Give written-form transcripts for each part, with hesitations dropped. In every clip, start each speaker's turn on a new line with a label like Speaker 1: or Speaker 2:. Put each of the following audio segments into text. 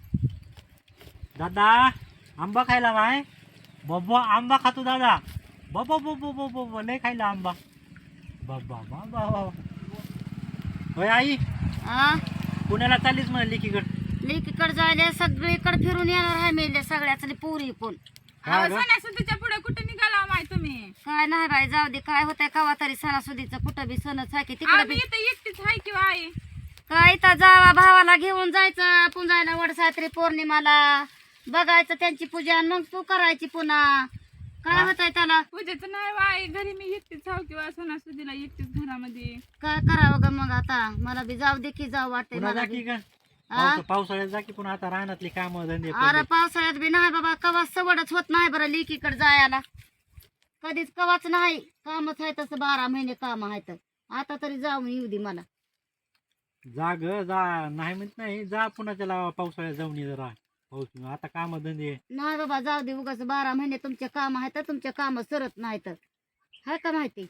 Speaker 1: दादा आंबा खायला माय बाबा आंबा खातो दादा बाबा बाबा बाबा लय खायला आंबा बाबा बाबा होय आई
Speaker 2: आ
Speaker 1: पुण्याला चाललीच म्हणे लेकीकडे
Speaker 2: लेकीकडे जायला सगळीकडे फिरून येणार आहे मेले सगळ्याच पोरी पण
Speaker 3: सणासुदीच्या पुढे कुठे निघाला माय तुम्ही?
Speaker 2: काय नाही बाई जाऊ दे काय होतंय कवा तरी सणासुदीचं कुठं बी सणच आहे की तिकडे
Speaker 3: आम्ही
Speaker 2: बी
Speaker 3: इथं एकटीच आहे किंवा आई
Speaker 2: काय तर जावा भावाला घेऊन जायचं पुंजायला वडसात्री पौर्णिमाला बघायचं त्यांची पूजा आणि मग तू करायची पुन्हा काय होतंय त्याला
Speaker 3: पूजेचं नाही बाई घरी मी एकटीच हाव किंवा सणासुदीला एकटीच घरामध्ये
Speaker 2: काय करावं ग मग आता मला बी जाऊ दे की जाऊ वाटतंय
Speaker 1: पुन्हा
Speaker 2: मला
Speaker 1: जा की
Speaker 2: बी.
Speaker 1: का पावसाळ्यात जा की पुन्हा आता रानातली काम धंदे
Speaker 2: अरे पावसाळ्यात बी नाही बाबा कवा सवडच होत नाही बरं लेकीकडे जायला कधीच कवाच नाही कामच आहे तसं 12 महिने काम आहेत आता तरी जाऊन येऊ दे मला
Speaker 1: जा ग जा नाही म्हणत नाही जा पुन्हा त्याला पावसाळ्यात जाऊन ये जरा पाऊस आता काम धंदे
Speaker 2: नाही बाबा जाऊ दे उगाच 12 महिने तुमचे काम आहेत तुमचे काम सरत नाहीत हाय का माहिती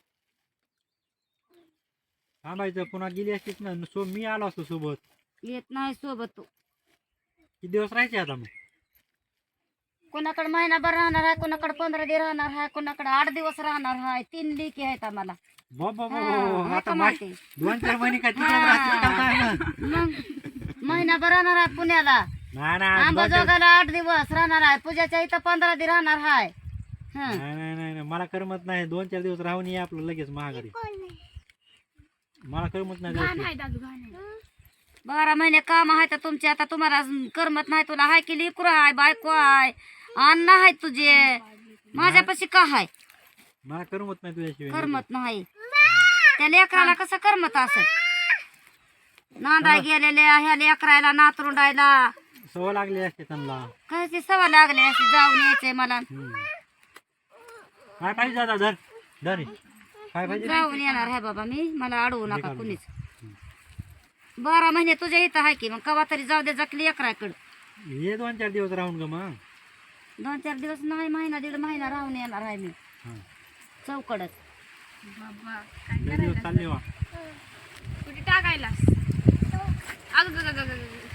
Speaker 1: थांबायचं पुन्हा गेली असतीच ना मी आलो असतो सोबत
Speaker 2: येत नाही सोबत तू
Speaker 1: किती दिवस राहायचे आता मग
Speaker 2: कोणाकडे महिनाभर राहणार आहे कोणाकडे 15 दिवस राहणार आहे कोणाकडे 8 दिवस राहणार आहे 3 लेकी आहेत आम्हाला
Speaker 1: बाबा
Speaker 2: हाय
Speaker 1: आता
Speaker 2: का माहिती
Speaker 1: 2-4 महिने काय तिकडे राहतील का काय मग?
Speaker 2: मग महिनाभर राहणार आहे पुण्याला
Speaker 1: नाही नाही
Speaker 2: आंबाजोगाला 8 दिवस राहणार आहे पूजाच्या इथं 15 दिवस राहणार आहे हं.
Speaker 1: नाही नाही नाही मला करमत नाही 2-4 दिवस राहून ये आपलं लगेच महागारी मला करमत नाही
Speaker 3: घाण
Speaker 1: जायचं.
Speaker 3: आहे दादू घाण आहे
Speaker 2: 12 महिने काम आहे तर तुमचे आता तुम्हाला करमत नाही तुला हाय की लेकरू आहे बायको आहे अन्न आहे तुझे माझ्यापाशी का हाय
Speaker 1: मला करमत नाही तुझ्याशिवाय
Speaker 2: करमत नाही त्या लेकराला कसं करमत असत नांदाय गेलेल्या ह्या लेकरायला नातरुंडायला
Speaker 1: सवय लागली असते त्यांना
Speaker 2: काय ती सवय लागली अशी जाऊन यायचंय मला
Speaker 1: काय पाहिजे दादा धर धर काय पाहिजे
Speaker 2: जाऊन येणार आहे बाबा मी मला अडवू नका कुणीच 12 महिने तुझ्या इथं आहे की मग कवा तरी जाऊ दे जकली लेकराकडं
Speaker 1: ये 2-4 दिवस राहून ग मग
Speaker 2: 2-4 दिवस नाही महिना 1.5 महिना राहून येणार आहे मी
Speaker 1: हा.
Speaker 2: चौकडच
Speaker 3: बाबा
Speaker 1: लय दिवस चालले वा
Speaker 3: कुठे टाकायला अगं